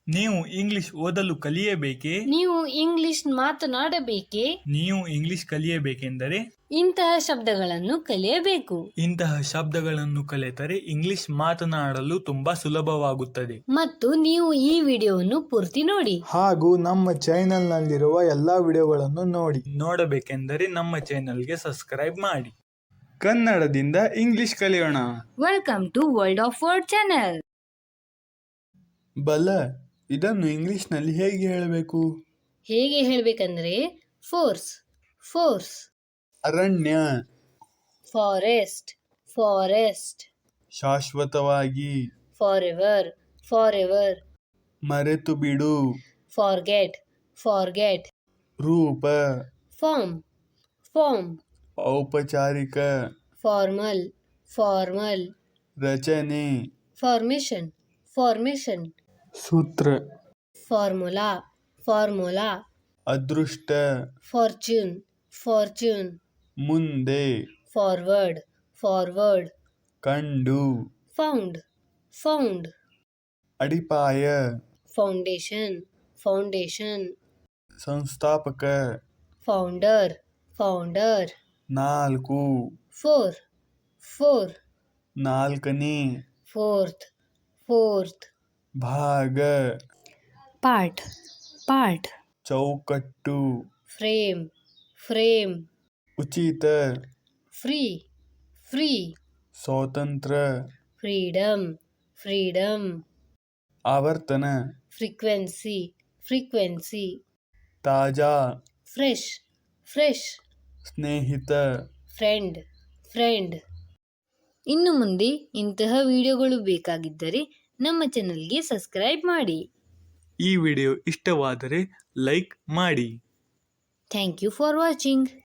ನೀವು ಇಂಗ್ಲಿಷ್ ಓದಲು ಕಲಿಯಬೇಕೇ? ನೀವು ಇಂಗ್ಲಿಷ್ ಮಾತನಾಡಬೇಕೇ? ನೀವು ಇಂಗ್ಲಿಷ್ ಕಲಿಯಬೇಕೆಂದರೆ ಇಂತಹ ಶಬ್ದಗಳನ್ನು ಕಲಿಯಬೇಕು. ಇಂತಹ ಶಬ್ದಗಳನ್ನು ಕಲಿತರೆ ಇಂಗ್ಲಿಷ್ ಮಾತನಾಡಲು ತುಂಬಾ ಸುಲಭವಾಗುತ್ತದೆ. ಮತ್ತು ನೀವು ಈ ವಿಡಿಯೋವನ್ನು ಪೂರ್ತಿ ನೋಡಿ. ಹಾಗೂ ನಮ್ಮ ಚಾನೆಲ್ನಲ್ಲಿರುವ ಎಲ್ಲ ವಿಡಿಯೋಗಳನ್ನು ನೋಡಿ. ನೋಡಬೇಕೆಂದರೆ ನಮ್ಮ ಚಾನೆಲ್ಗೆ ಸಬ್ಸ್ಕ್ರೈಬ್ ಮಾಡಿ. ಕನ್ನಡದಿಂದ ಇಂಗ್ಲಿಷ್ ಕಲಿಯೋಣ. Welcome to world of word channel. ಬಲ, ಇದನ್ನು ಇಂಗ್ಲಿಷ್ನಲ್ಲಿ ಹೇಗೆ ಹೇಳಬೇಕು? ಹೇಗೆ ಹೇಳಬೇಕಂದ್ರೆ ಫೋರ್ಸ್, ಫೋರ್ಸ್. ಅರಣ್ಯ, ಫಾರೆಸ್ಟ್, ಫಾರೆಸ್ಟ್. ಶಾಶ್ವತವಾಗಿ, ಫಾರೆವರ್, ಫಾರೆವರ್. ಮರೆತು ಬಿಡು, ಫಾರ್ಗೆಟ್, ಫಾರ್ಗೆಟ್. ರೂಪ, ಫಾರ್ಮ್, ಫಾರ್ಮ್. ಔಪಚಾರಿಕ, ಫಾರ್ಮಲ್, ಫಾರ್ಮಲ್. ರಚನೆ, ಫಾರ್ಮೇಶನ್, ಫಾರ್ಮೇಶನ್. ಸೂತ್ರ, ಫಾರ್ಮುಲಾ, ಫಾರ್ಮುಲಾ. ಅದೃಷ್ಟ, ಫಾರ್ಚೂನ್, ಫಾರ್ಚೂನ್. ಮುಂದೆ, ಫಾರ್ವರ್ಡ್, ಫಾರ್ವರ್ಡ್. ಕಂಡು, ಫೌಂಡ್, ಫೌಂಡ್. ಅಡಿಪಾಯ, ಫೌಂಡೇಶನ್, ಫೌಂಡೇಶನ್. ಸಂಸ್ಥಾಪಕ, ಫೌಂಡರ್, ಫೌಂಡರ್. ನಾಲ್ಕು, ಫೋರ್, ಫೋರ್. ನಾಲ್ಕನೇ, ಫೋರ್ತ್, ಫೋರ್ತ್. ಭಾಗ, ಪಾರ್ಟ್, ಪಾರ್ಟ್. ಚೌಕಟ್ಟು, ಫ್ರೇಮ್, ಫ್ರೇಮ್. ಉಚಿತ, ಫ್ರೀ, ಫ್ರೀ. ಸ್ವಾತಂತ್ರ್ಯ, ಫ್ರೀಡಮ್, ಫ್ರೀಡಮ್. ಆವರ್ತನ, ಫ್ರೀಕ್ವೆನ್ಸಿ, ಫ್ರೀಕ್ವೆನ್ಸಿ. ತಾಜಾ, ಫ್ರೆಶ್, ಫ್ರೆಶ್. ಸ್ನೇಹಿತ, ಫ್ರೆಂಡ್, ಫ್ರೆಂಡ್. ಇನ್ನು ಮುಂದೆ ಇಂತಹ ವಿಡಿಯೋಗಳು ಬೇಕಾಗಿದ್ದರೆ ನಮ್ಮ ಚಾನಲ್ಗೆ ಸಬ್ಸ್ಕ್ರೈಬ್ ಮಾಡಿ. ಈ ವಿಡಿಯೋ ಇಷ್ಟವಾದರೆ ಲೈಕ್ ಮಾಡಿ. Thank you for watching.